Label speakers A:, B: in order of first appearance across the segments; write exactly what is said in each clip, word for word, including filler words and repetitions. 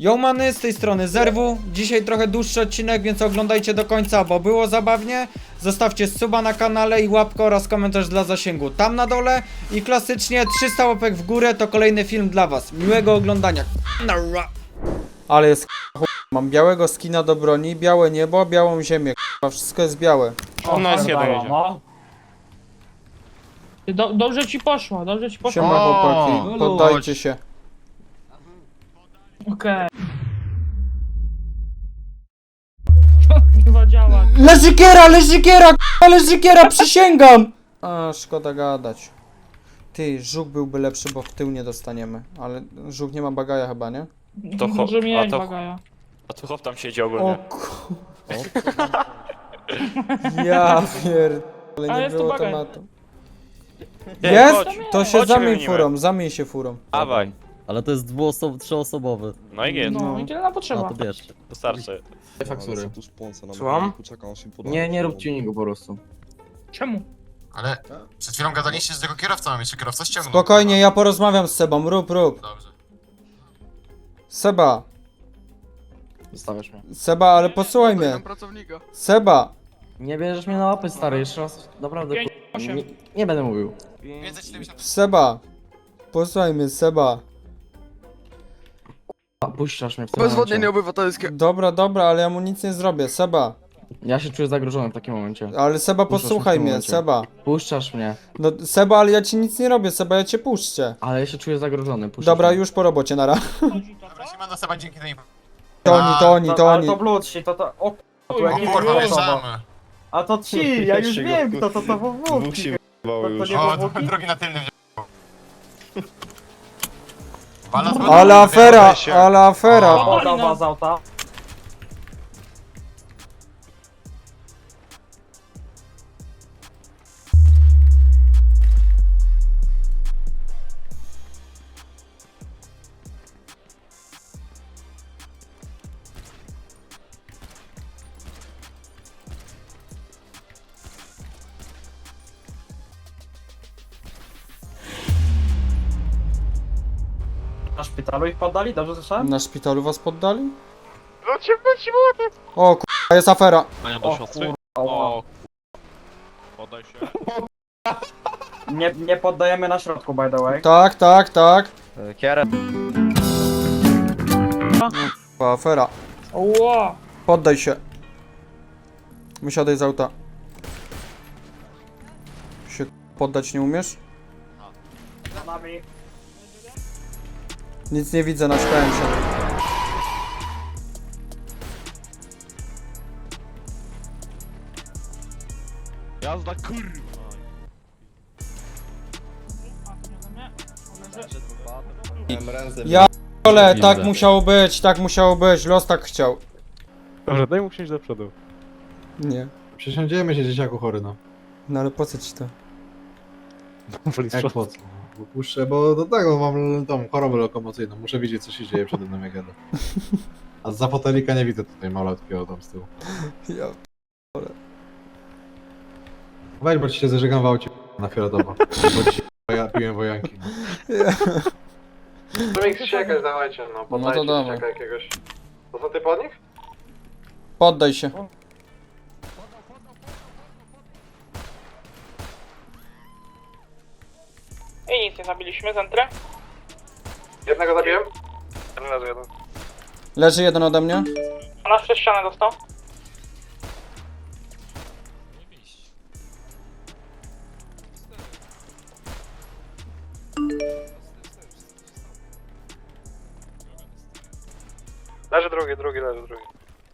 A: Yo many, z tej strony Zerwu. Dzisiaj trochę dłuższy odcinek, więc oglądajcie do końca, bo było zabawnie. Zostawcie suba na kanale i łapkę oraz komentarz dla zasięgu tam na dole. I klasycznie trzysta łapek w górę to kolejny film dla was. Miłego oglądania. Ale jest ch... Mam białego skina do broni, białe niebo, białą ziemię. Wszystko jest białe.
B: Ona jest jeden jedzie.
C: No. Do, dobrze ci poszło, dobrze ci poszło.
A: Siema chłopaki, poddajcie się.
C: Okej. Chyba działa.
A: Leżykiera, leżykiera, k***a, leżykiera, przysięgam! A, szkoda gadać. Ty, żuk byłby lepszy, bo w tył nie dostaniemy. Ale żuk nie ma bagaja chyba, nie?
B: To cho-
C: Może
B: a
C: mieć
B: to-
C: bagaja.
B: A tu chłop tam siedzi
A: O
B: ogólnie.
A: ku... Ja pierdolę,
C: A,
A: nie
C: jest tu
A: było
C: bagaj.
A: tematu.
B: Ej,
A: Jest?
B: chodź.
A: To się
B: Chodź,
A: zamień
B: wymienimy.
A: furą, zamień się furą.
B: Dawaj.
D: Ale to jest dwuosob, trzyosobowy.
B: No i jest.
C: No i tyle na
D: A
C: potrzeba.
D: to bierzcie.
B: Wystarczy.
E: faktury.
F: Słucham?
E: Nie,
F: Nie, nie rób tuningu po prostu.
C: Czemu?
G: Ale przed chwilą gadaliście z tego kierowcą, a jeszcze kierowca ściągnął.
A: Spokojnie, ja porozmawiam z Sebą, rób, rób.
G: Dobrze.
A: Seba,
F: Zostawiasz mnie.
A: Seba, ale posłuchaj mnie. Seba,
F: Nie bierzesz mnie na łapy, stary, jeszcze raz. Naprawdę,
C: Pięć,
F: ku-
C: osiem.
F: nie, nie będę mówił.
G: pięćset siedemdziesiąt.
A: Seba. Posłuchaj mnie, Seba.
F: A, puszczasz mnie w tym
H: Bezwodnienie
F: momencie.
H: obywatelskie.
A: Dobra, dobra, ale ja mu nic nie zrobię, Seba.
F: Ja się czuję zagrożony w takim momencie.
A: Ale Seba,
F: Puszczasz
A: posłuchaj
F: w tym
A: mnie,
F: momencie.
A: Seba.
F: Puszczasz mnie.
A: No, Seba, ale ja ci nic nie robię, Seba, ja cię puszczę.
F: Ale ja się czuję zagrożony, puszczasz
A: Dobra,
F: mnie.
A: już po robocie, nara.
G: Dobra, Siemano Seba, dzięki tej...
A: To oni, to oni, to
H: Ale
A: oni.
H: to bludsi, to to... O k***a, tu
C: O
G: O
H: jakiś
G: kurwa,
H: osoba.
G: wjeżdżamy.
H: A to ci, ja już wiem kto to, to wywódki. To, to nie
G: O,
H: wywódki?
G: drogi na tylnym wziął. Balans
A: Ale afera, ale afera.
G: O.
H: Podoba z auta. Na szpitalu ich poddali? Dobrze słyszałem?
A: Na szpitalu was poddali? O k***a, jest afera.
H: O kurwa.
B: O, podaj się.
H: Nie, nie poddajemy na środku, by the way.
A: Tak, tak, tak.
F: Kierę.
A: O, afera.
C: Ło!
A: Poddaj się. Wysiadaj z auta. Się poddać nie umiesz?
H: Za nami.
A: Nic nie widzę, naśmiałem się.
B: Jazda kurwa.
A: Ja ale tak musiało być, tak musiało być, los tak chciał.
I: Dobra, daj mu wsiąść do przodu.
A: Nie.
I: Przesiądziemy się dzieciaku chory, no.
A: No ale po co ci to?
I: Jak po co? Bo puszczę, bo do tego mam tą chorobę lokomocyjną. Muszę widzieć, co się dzieje przede mną, jak jadę. A za fotelika nie widzę tutaj malutkiego tam z tyłu.
A: Ja...
I: Weź, bo ci się zażegam w aucie na fioletowo. Bo ci ja piłem wojanki. No.
H: To mi krzysiekać dawajcie, no
A: No to dawaj.
H: jakiegoś. To są ty pod nich?
A: Poddaj się.
C: I nic nie zabiliśmy, zentrę.
H: Jednego zabiłem?
A: Leży jeden ode mnie.
C: Ona przez ścianę dostał.
H: Leży drugi, drugi, leży drugi.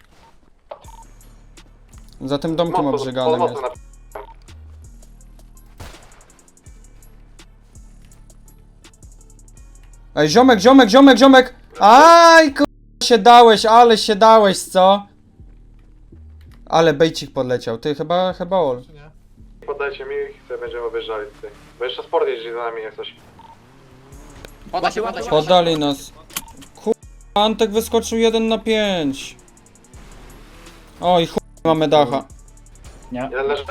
A: Za tym domkiem obrzeganym jest. Ej, ziomek, ziomek, ziomek, ziomek! Aj, kur... się dałeś, ale się dałeś, co? Ale bejcik podleciał, ty chyba, chyba ol.
H: Poddajcie mi ich, sobie będziemy objeżdżali tutaj. Bo jeszcze sport jeździ za nami jak coś.
G: Poda się, poda się.
A: Poddali nas. Kur... Antek wyskoczył jeden na pięć. Oj, chuj, mamy dacha.
H: Jeden leży?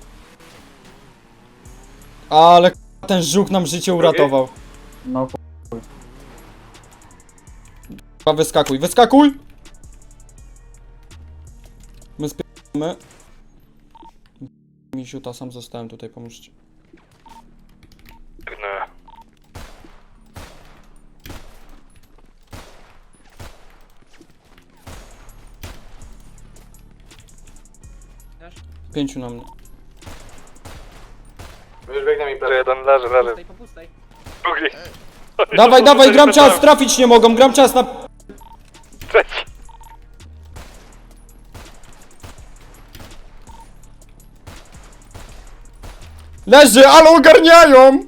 A: Ale k***a, ten żuk nam życie uratował.
H: No
A: k***a, wyskakuj, wyskakuj! My spierdolimy. Misiuta, sam zostałem tutaj, pomóżcie. Pięciu na mnie.
H: Już biegnę mi plecy.
B: Jeden leży, leży. Drugi.
A: Dawaj, dawaj, gram czas, trafić nie mogą, gram czas na...
B: Trzeci.
A: Leży, ale ogarniają!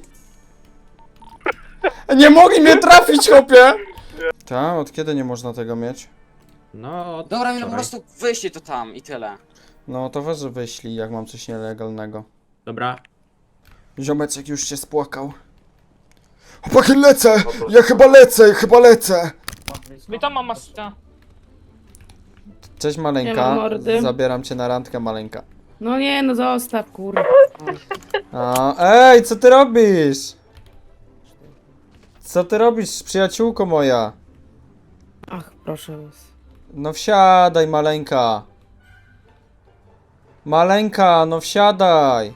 A: Nie mogli mnie trafić, chłopie! Ta, od kiedy nie można tego mieć?
E: No,
J: Dobra, mi no po prostu wyślij to tam i tyle.
A: No to weź wyślij, jak mam coś nielegalnego.
E: dobra.
A: Ziomeczek już się spłakał. Chłopaki, lecę! Ja chyba lecę, chyba lecę!
C: Witam, mama sta.
A: Cześć
K: Nie ma
A: maleńka,
K: mordy.
A: zabieram cię na randkę maleńka.
K: No nie, no zostaw, kurwa.
A: A, ej, co ty robisz? Co ty robisz, przyjaciółko moja?
K: Ach, proszę was.
A: No wsiadaj, maleńka. Maleńka, no wsiadaj.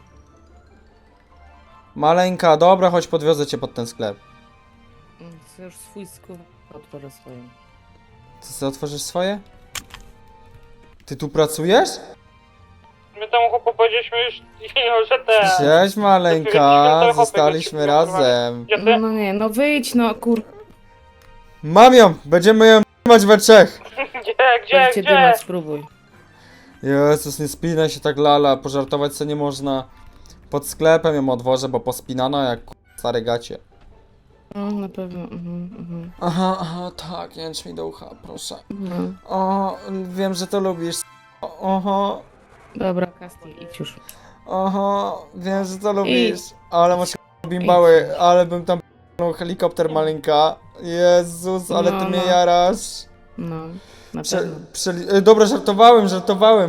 A: Maleńka, dobra, chodź podwiozę cię pod ten sklep.
K: Chcę już swój skup otworzę swoim.
A: Ty sobie otworzysz swoje? Ty tu pracujesz?
C: My temu chłopu powiedzieliśmy już, że te...
A: Cześć maleńka, zostaliśmy razem.
C: Gdzie ty?
K: No nie, no wyjdź, no kur...
A: Mam ją, będziemy ją mać we trzech.
C: Gdzie, gdzie,
K: Weźcie
C: gdzie?
K: dyma, spróbuj.
A: Jezus, nie spinaj się tak lala, pożartować co nie można. Pod sklepem ją odwożę, bo pospinana jak k- stare gacie.
K: No, na pewno, mhm, mhm.
A: Aha, aha, tak, jęcz mi do ucha, proszę.
K: No.
A: O, wiem, że to lubisz. O, oho,
K: Dobra, Kasti, idź już.
A: oho, wiem, że to lubisz. Ale masz k- bimbały, ale bym tam p***nął helikopter maleńka. Jezus, ale ty
K: No,
A: mnie
K: no.
A: jarasz.
K: No, na
A: Prze,
K: pewno.
A: przeli- e, dobra, żartowałem, żartowałem.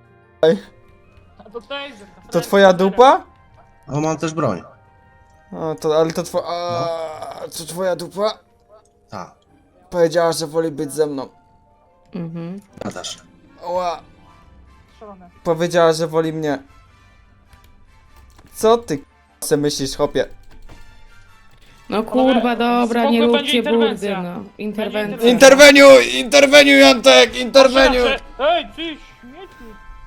C: A to taser.
A: To twoja dupa?
G: O, mam też broń.
A: O, to, ale to twoja... A, to twoja dupa?
G: Tak,
A: Powiedziała, że woli być ze mną.
K: Mhm.
G: nadasz.
A: Oła.
C: Strzelone.
A: Powiedziała, że woli mnie. Co ty k***a se myślisz, chłopie?
K: No kurwa, dobra, nie
C: spokój, będzie
K: róbcie burdy,
C: interwencja.
K: no.
C: Będzie
K: Interwencja.
A: Interweniuj! Interweniuj, Antek! Interweniuj!
C: Ej, ty śmieci.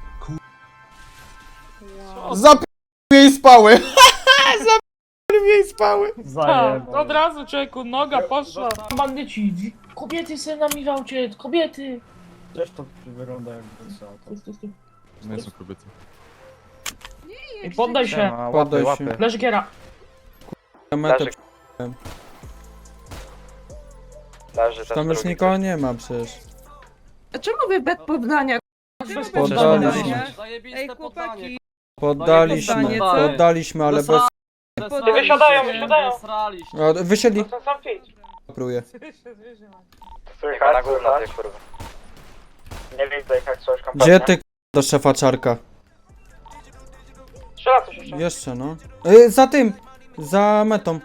A: Zap... jej spały! Zap... jej spały!
C: Tak, od razu człowieku, noga poszła. Bandyci, kobiety se nami w aucie, kobiety.
D: Też to wygląda jakby co.
I: Nie są kobiety.
C: I poddaj się,
A: Poddaj się.
C: leży giera.
A: Metę
B: Leży
A: Tam już nikogo nie ma przecież.
K: A czemu wy bez poddania?
A: Poddaliśmy.
K: Ej, chłopaki.
A: Poddaliśmy,
K: co?
A: poddaliśmy, ale bez...
C: Ty wysiadają, wysiadają.
A: O, wysiedli.
C: To sam fit.
A: Próbuję.
B: Słychać, na górę, kurwa.
C: Nie widzę ich jak coś
A: Gdzie ty k- do szefa czarka?
C: Strzela coś jeszcze.
A: Jeszcze no. Y, za tym! Za metą.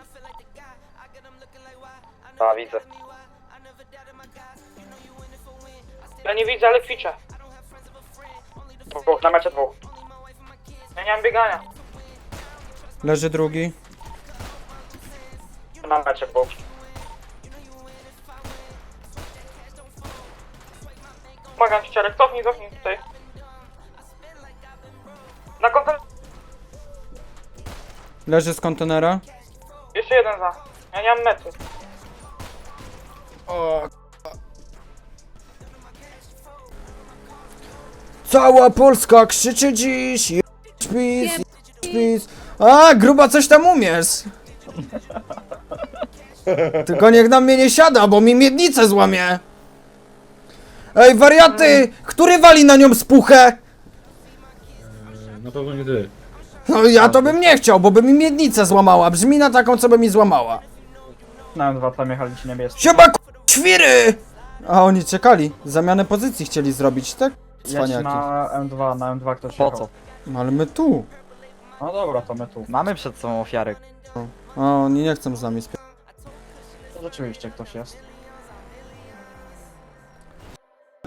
B: A, widzę.
C: Ja nie widzę, ale kwiczę. Dwóch, na mecie dwóch. Ja nie mam biegania.
A: Leży drugi.
C: Na mecie dwóch. Pomagam ci, Ciarek, cofnij, cofnij tutaj. Na konten...
A: Leży z kontenera.
C: Jeszcze jeden za. Ja nie mam mety.
A: O, cała Polska krzyczy dziś. Jedź pis, jedź pis. A, gruba, coś tam umiesz. Tylko niech na mnie nie siada, bo mi miednicę złamie. Ej, wariaty! Który wali na nią spuchę?
I: Na pewno nie ty.
A: No ja to bym nie chciał, bo by mi miednicę złamała. Brzmi na taką, co by mi złamała.
F: Na dwa tam jechali ci niebiescy.
A: Siema, k***, świry! A oni czekali. Zamianę pozycji chcieli zrobić, tak? Cwaniaki.
F: na M dwa, na M dwa ktoś
D: Po co?
A: No ale my tu.
F: No dobra, to my tu.
D: Mamy przed sobą ofiary.
A: A oni nie chcą z nami spiać.
F: Rzeczywiście ktoś jest.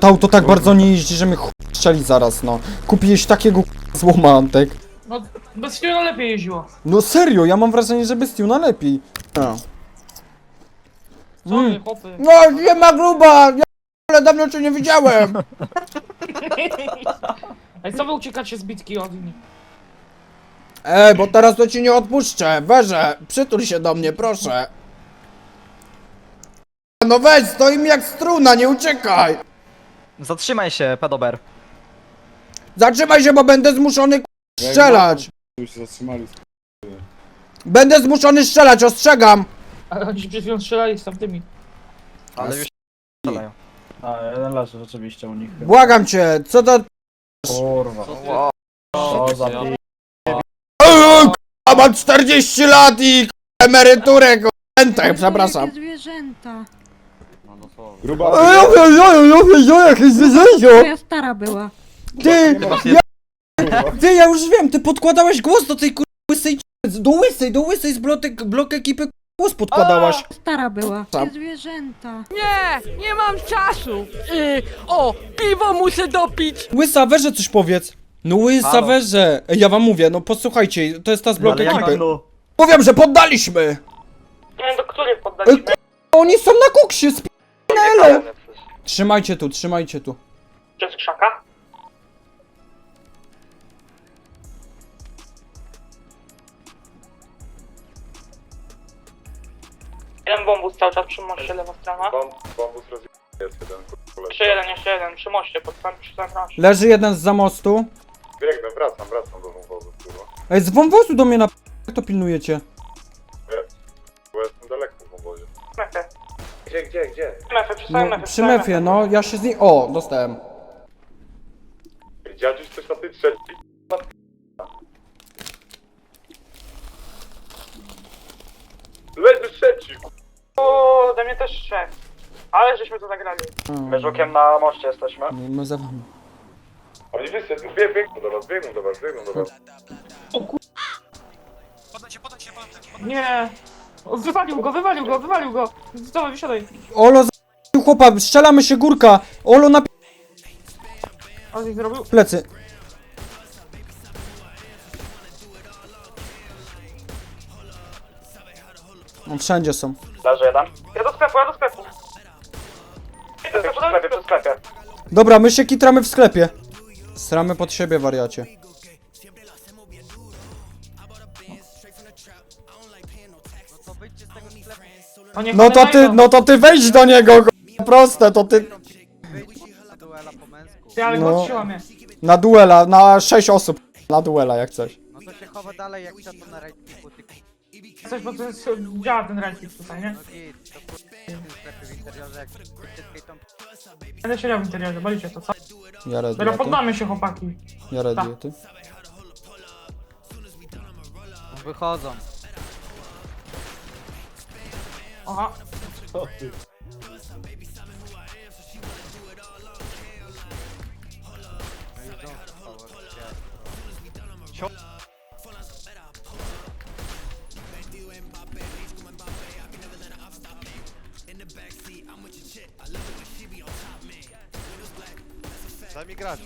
A: To auto tak bardzo nie jeździ, że mnie ch... strzeli zaraz, no. Kupiłeś takiego k***a złoma, Antek.
C: No, bez Fiona lepiej jeździło.
A: No serio, ja mam wrażenie, że bez Tuna lepiej. No.
C: Co
A: Mm.
C: wy, chłopy?
A: No, nie ma gruba! Ja ale dawno cię nie widziałem!
C: Ej, co wy uciekacie z bitki od nich?
A: Ej, bo teraz to ci nie odpuszczę. Weże, przytul się do mnie, proszę. No weź, stoi mi jak struna, nie uciekaj!
D: Zatrzymaj się, pedober.
A: Zatrzymaj się, bo będę zmuszony k- strzelać!
I: Już się zatrzymali.
A: Będę zmuszony strzelać, ostrzegam!
C: Ale oni się przed chwilą strzelali z tamtymi.
D: Ale już strzelają.
F: A, jeden leży rzeczywiście u nich.
A: Błagam cię, co to...
F: Kurwa. O, zabij.
A: Eee, k***a, mam czterdzieści lat i k***a, emeryturę, k***a, przepraszam.
K: Zwierzęta.
I: Gruba.
A: Jakieś zwierzęcio!
K: Moja stara była.
A: Ty, ja, ty, ja już wiem, ty podkładałeś głos do tej kur... łysej c- do łysej, do łysej z blotek, blok ekipy k- głos podkładałaś.
K: Stara była.
A: Tam.
K: Zwierzęta.
E: Nie, nie mam czasu. Yy, o, piwo muszę dopić.
A: Łysa, weże coś powiedz. No łysa,
D: Halo?
A: weże. Ej, ja wam mówię, no posłuchajcie, to jest ta z blok
D: Ale jak
A: ekipy.
D: no?
A: Mówię, że poddaliśmy!
C: Nie wiem, do których
A: Ej,
C: poddaliśmy.
A: k- oni są na koksie, sp***nelo! Trzymajcie tu, trzymajcie tu.
C: Przez krzaka? Jeden bombus cały czas przy moście, lewa strona.
H: Bomb, bombus rozjebany jest jeden, kurwa.
C: Jeszcze jeden, jeszcze jeden, przy moście, pod sam, przy sam razie.
A: Leży jeden z za mostu.
H: Biegnę, wracam, wracam do wąwozu, kurwa.
A: Ej, z wąwozu do mnie na... Jak to pilnujecie?
H: Bo jestem daleko w wąwozie.
C: Mefę.
H: Gdzie, gdzie, gdzie?
C: Mefę, przy samym
A: No,
C: mefę.
A: przy mefie, no, ja się z niej... O, dostałem.
H: Dziadziuś coś na tej trzeciej. Leży trzeci, kurwa.
C: O, ode mnie też trzech. Ale żeśmy to zagrali.
F: My żukiem na moście jesteśmy.
A: My, my za wami.
H: Oni wyszedł, bieg, biegną do was, biegną do was, biegną do was.
G: Podajcie, podajcie, podajcie.
C: Nie. O, wywalił go, wywalił go, wywalił go. Dawaj, wysiadaj.
A: Olo, za... chłopa, strzelamy się, górka. Olo na...
C: On ich zrobił.
A: plecy. No, wszędzie są.
F: Leży jeden.
C: Ja do sklepu, ja do sklepu.
F: Przy sklepie, przy sklepie.
A: Dobra, my się kitramy w sklepie. Stramy pod siebie, wariacie.
C: No, niech
A: No
C: one
A: to ty,
C: wejdą.
A: no to ty wejdź do niego, go- proste, to ty...
C: Ty, ale
A: no.
C: go trzyma mnie.
A: Na duela, na sześć osób. Na duela, jak coś.
E: No to się chowa dalej, jak to na rajtniku, ty
C: Coś, bo to jest, działa ten ranking tutaj, nie?
E: git, to sklepy w interiorze, jak wszystkie tą...
C: Będę siedział w interiorze, bolicie to, co?
A: Ja ready,
C: Dobra,
A: a ty?
C: poddamy się, chłopaki.
A: Ja ready, a ty?
E: Wychodzą.
C: Aha.
G: Daj mi grać.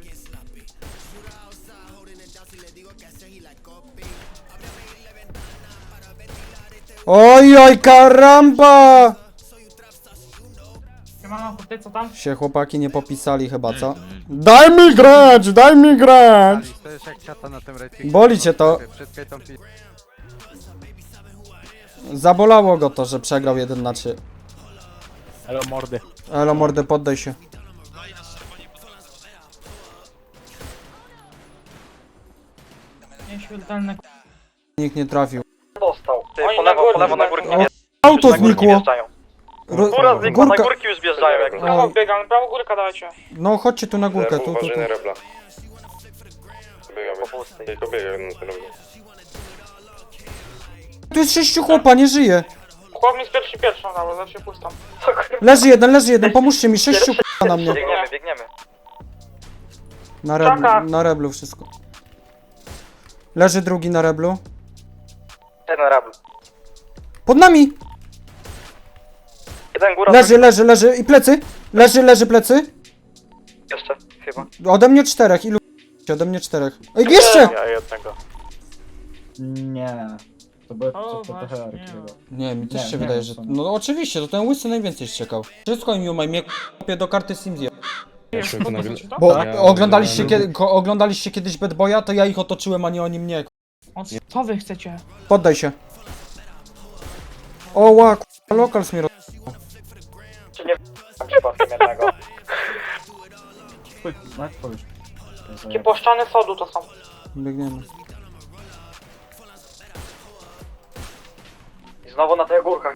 A: Oj, oj, karamba!
C: Siemano, ty co tam?
A: Się chłopaki nie popisali chyba, co? Daj mi grać, daj mi grać!
E: To jest jak ciata na tym rajtniku.
A: Boli cię to.
E: Wszystkie tą pi...
A: Zabolało go to, że przegrał jeden na trzy.
D: Elo mordy.
A: Elo mordę, poddaj się.
C: Nieśmiertelne k***.
A: Nikt nie trafił.
F: Dostał. Ty,
C: Oni
F: po
C: na
F: lewo,
C: górę
F: po lewo na
C: znowu.
F: górki.
A: Auto
F: Na górki
A: znikło!
F: wjeżdżają.
A: Ro-
F: Góra znikła, na
A: Górka.
F: górki już wjeżdżają jak
C: Prawo biegam, prawo górka dajcie.
A: No chodźcie tu na górkę, tu, tu, tu.
H: Uważaj na rebla. Biegamy, tylko biegam na ten rebla.
A: Tu jest sześciu chłopa, nie żyje.
C: Chłop mi z pierwszy pierwszą dało, zawsze pustą.
A: Leży jeden, leży jeden, pomóżcie mi, sześciu chłopa na mnie.
F: Biegniemy, biegniemy.
A: Na reblu,
C: Czaka.
A: na reblu wszystko. Leży drugi na reblu.
F: Jeden rabl.
A: Pod nami!
F: Jeden góra.
A: Leży, leży, leży i plecy. Leży, leży plecy.
B: Jeszcze, chyba.
A: Ode mnie czterech, ilu ode mnie czterech. Ej, jeszcze!
F: Ja jednego.
D: Nie. To by
C: O, właśnie, nie.
A: Nie, mi też
D: Nie,
A: się
D: nie
A: wydaje,
D: wiem,
A: że...
D: co.
A: No oczywiście, to ten łysy najwięcej ściekał. Wszystko im umaj, mnie k***ie do karty Simsy.
C: Jest, podnosi to?
A: Bo
I: Ja
A: oglądaliście,
I: oglądałem.
A: kiedy, ko- oglądaliście kiedyś Bad Boya, to ja ich otoczyłem, a nie oni mnie.
C: O, co wy chcecie?
A: Poddaj się. O, ła, k***a, lokal mnie roz...
B: Czy nie w***am przypadkiem jednego?
C: Takie płaszczane sodu to są.
A: Biegniemy.
B: I znowu na tych górkach.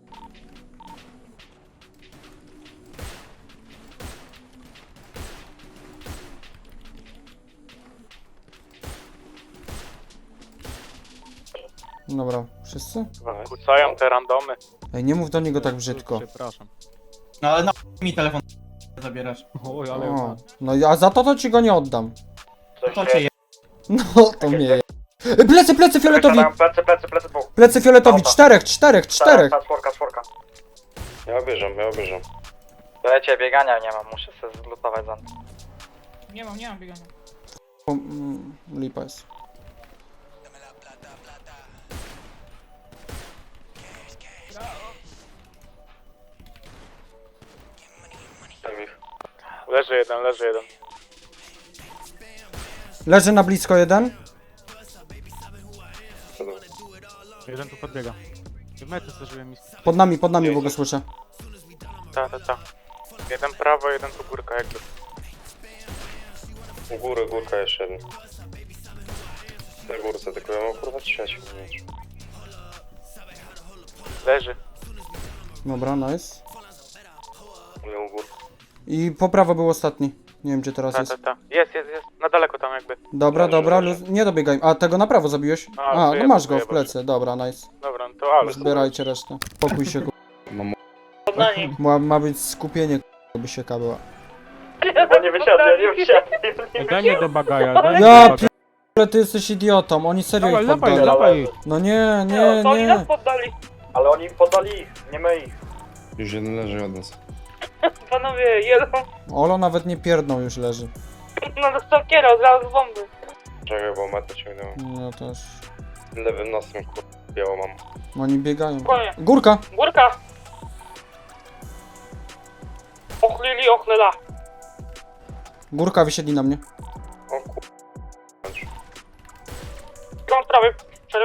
A: Dobra, wszyscy?
F: Kucają te randomy.
A: Ej, nie mów do niego tak brzydko.
D: Przepraszam.
J: No ale na mi telefon zabierasz.
D: Oj, ale...
A: O, no i- a za to to ci go nie oddam.
B: Coś
J: To
B: się
J: cię je...
A: No, to mnie je... Ej, Plecy, plecy fioletowi!
B: Plecy, plecy, plecy, dwóch.
A: Plecy fioletowi,
B: Dobra.
A: czterech, czterech, czterech!
B: Ta czwórka, czwórka.
H: Ja obierzam, ja obierzam.
B: Wiecie, biegania nie mam, muszę sobie zlutować za...
C: Nie mam, nie mam biegania.
A: O, mm, lipa jest.
F: Leży jeden, leży jeden.
A: Leży na blisko jeden.
D: Jeden tu podbiega. W metę zdarzyłem mi...
A: Pod nami, pod nami, bo go słyszę.
F: Ta, ta, ta. Jeden prawo, jeden tu górka jakby.
H: U góry, górka jeszcze jeden. Na górce, tylko ja mam kurwa trzeci.
F: Leży.
A: Dobra, nice.
H: Ja u góry.
A: I po prawo był ostatni. Nie wiem, gdzie teraz
F: Ta,
A: jest.
F: ta, ta. Jest, jest, jest. Na daleko tam jakby.
A: Dobra,
H: Leży,
A: dobra,
H: leży.
A: luz... nie dobiegaj. A, tego na prawo zabiłeś?
F: A,
A: A, no
F: żyje,
A: masz go
F: żyje,
A: w plecy. Dobra, nice.
F: Dobra, no to ale.
A: Zbierajcie resztę. Pokój się, ku...
C: Na nich.
A: Ma, ma być skupienie, ku... żeby sieka była.
B: Bo nie wysiadłem, nie wysiadłem.
D: Daj mnie do bagaja, daj mnie
A: Ja
D: do bagaja.
A: p***le, ty jesteś idiotą, oni serio
D: Dawaj,
A: ich
D: dawaj,
A: poddali.
D: dawaj.
A: No nie, nie,
C: To oni nas
A: nie.
C: poddali.
B: Ale oni podali ich, nie my ich.
H: Już jeden leży od nas.
C: Panowie, jeden
A: Olo nawet nie pierdną, już leży.
C: no do stalkiera, od razu z bomby.
H: Czekaj, bo metę ciągnęło.
A: No też.
H: Lewym nosem kurwa biało mam.
A: Oni biegają.
C: Spokojnie.
A: Górka!
C: Górka. Ochlili, ochlela.
A: Górka wysiedli na mnie.
H: O kurwa.
C: Mam prawy. Szereg.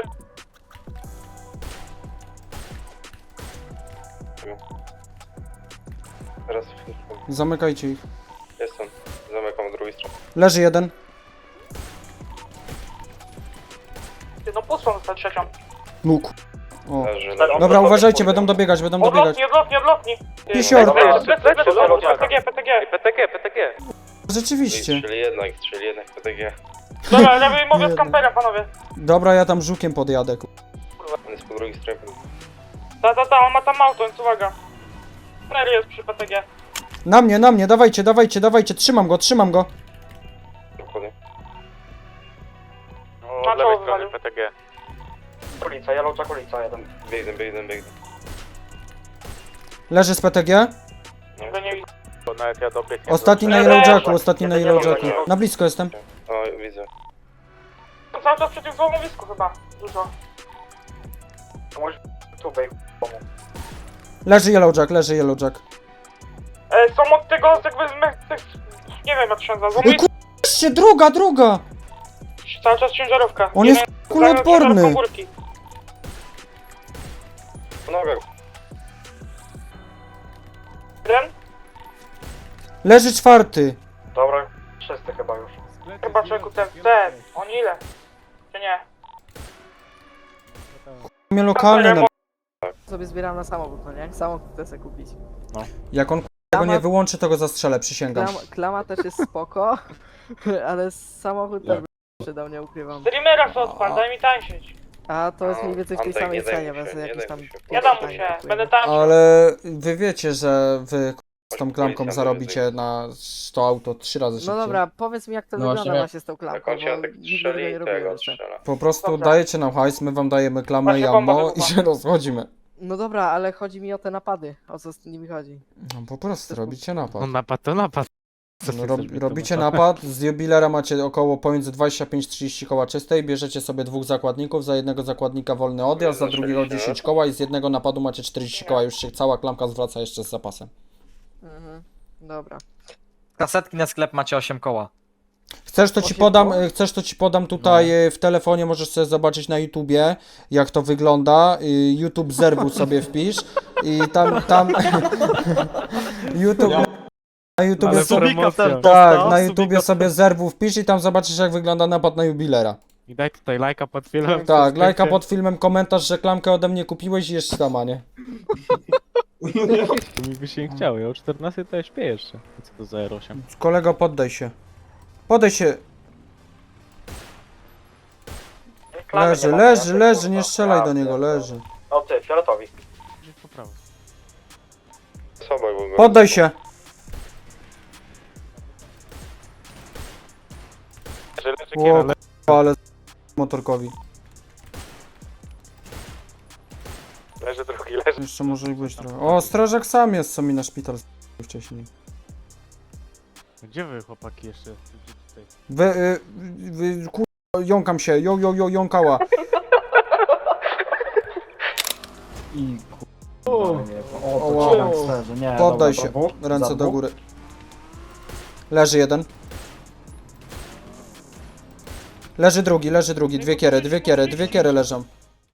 H: Teraz
A: Zamykajcie ich.
H: jestem. Zamykam z drugiej strony.
A: Leży jeden.
C: Ty, no pustą zostać trzecią.
A: Nóg. O.
H: Leży, leży.
A: Dobra, uważajcie, będą dobiegać, będą dobiegać.
C: Odlotni, odlotni, odlotni. Ty,
A: Pisior.
C: plecy, plecy, plecy, plecy, P T G, P T G.
B: P T G, P T G.
A: Rzeczywiście.
H: Strzeli jednak, strzeli jednak P T G.
C: Dobra, lewy mówię
A: Nie,
C: z kamperem, panowie.
A: Dobra, ja tam żukiem podjadę. ku-
H: On jest po drugiej stronie.
C: Ta, ta, ta, on ma tam auto, więc uwaga. Mary jest przy P T G.
A: Na mnie, na mnie, dawajcie, dawajcie, dawajcie, trzymam go, trzymam go.
H: Dokładnie.
F: No,
C: Na
F: od lewej
C: czoło
F: strony
C: wywalił.
F: P T G.
B: Ulica, Yellow Jack ulica, jeden.
H: Biegnę, biegnę, biegnę.
A: Leży z P T G.
C: Go nie widzę.
F: Bo nawet ja dobiegł.
A: Ostatni na Yellow Jacku, ostatni na Yellow Jacku. Na blisko jestem.
H: O, widzę.
C: Cały czas przy tym złomowisku chyba. Dużo.
B: To możesz tu wej
A: Leży Yellow Jack, leży Yellow Jack.
C: E, są od tego, jakby, z me- tych, nie wiem jak to się nazywa,
A: Ej,
C: złomowisko.
A: Jeszcze druga, druga!
C: Cały czas ciężarówka.
A: On
C: Jeden-
A: jest kuloodporny.
C: ciężarówką górki.
H: Po nogach.
C: Jeden?
A: Leży czwarty.
B: Dobra, wszyscy chyba już.
C: Chyba czeku ten, ten. On ile? Czy nie?
A: Mnie lokalny na...
K: Sobie zbieram na samochód, no nie? Samochód chcę sobie kupić.
A: Jak on tego nie wyłączy, to go zastrzelę, przysięgam.
K: Klama, klama też jest spoko, ale samochód też by przydał, nie ukrywam.
C: Streamera co odpal, daj mi tańczyć.
K: A to jest
H: No,
K: mniej więcej w tej
H: Antek,
K: samej
H: nie daj
K: cenie,
H: mu się,
K: więc
H: nie
K: jakieś
H: daj
K: tam...
H: mu się.
C: Ja dam mu
K: tańsze
C: się,
K: kupuję.
C: będę tańczył.
A: Ale wy wiecie, że wy z tą klamką zarobicie na to auto trzy razy szybciej.
K: No dobra, powiedz mi jak to
J: No
K: wygląda
J: właśnie.
K: właśnie z tą
H: Na
K: klamką,
H: koncie
K: bo
H: Antek
K: nigdy tego
H: strzeli
K: nie
H: i
K: robiłem
H: tego
K: jeszcze.
H: strzela.
A: Po prostu
C: Dobra.
A: dajecie nam hajs, my wam dajemy klamę i
C: Właśnie bomba
A: ammo i
C: wybuchła.
A: się rozchodzimy.
K: No dobra, ale chodzi mi o te napady, o co z nimi chodzi.
A: No po prostu robicie napad.
D: No napad to napad. Co ty
A: No, rob,
D: chcesz mi
A: robicie
D: to
A: napad, z jubilera macie około pomiędzy dwadzieścia pięć trzydzieści koła czystej, bierzecie sobie dwóch zakładników, za jednego zakładnika wolny odjazd, za drugiego dziesięć koła i z jednego napadu macie czterdzieści koła, już się cała klamka zwraca jeszcze z zapasem.
K: Mhm. Dobra.
B: Kasetki na sklep macie osiem koła.
A: Chcesz to ci
K: osiem
A: podam,
K: koła?
A: y, chcesz to ci podam tutaj y, w telefonie, możesz sobie zobaczyć na YouTubie, jak to wygląda. Y, YouTube zerwu sobie wpisz i tam, tam YouTube, na YouTubie
D: Ale
A: sobie,
D: promocja.
A: tak, na YouTubie sobie zerwu wpisz i tam zobaczysz, jak wygląda napad na jubilera.
D: I daj tutaj lajka pod filmem.
A: Tak, lajka pod filmem, komentarz, że klamkę ode mnie kupiłeś i jesz sama, nie?
D: To mi by się nie chciało, ja o czternastej to ja śpię jeszcze. Co to za R osiem?
A: Kolego, poddaj się. Poddaj się. Leży, leży, leży, nie strzelaj do niego, leży.
B: O ty, fioletowi.
D: Gdzieś po prawo.
A: Poddaj się. O, k***a, ale z- motorkowi.
F: Leży drugi, leży.
A: Jeszcze może i być trochę. O, strażak sam jest, co mi na szpital z- wcześniej.
D: Gdzie wy chłopaki jeszcze? Gdzie tutaj?
A: Wy, y, wy, kur... jąkam się, jo, jo, jo, jąkała.
J: I
A: Oła.
J: nie,
A: Poddaj się, ręce do góry. Leży jeden. Leży drugi, leży drugi, dwie kiery, dwie kiery, dwie kiery leżą.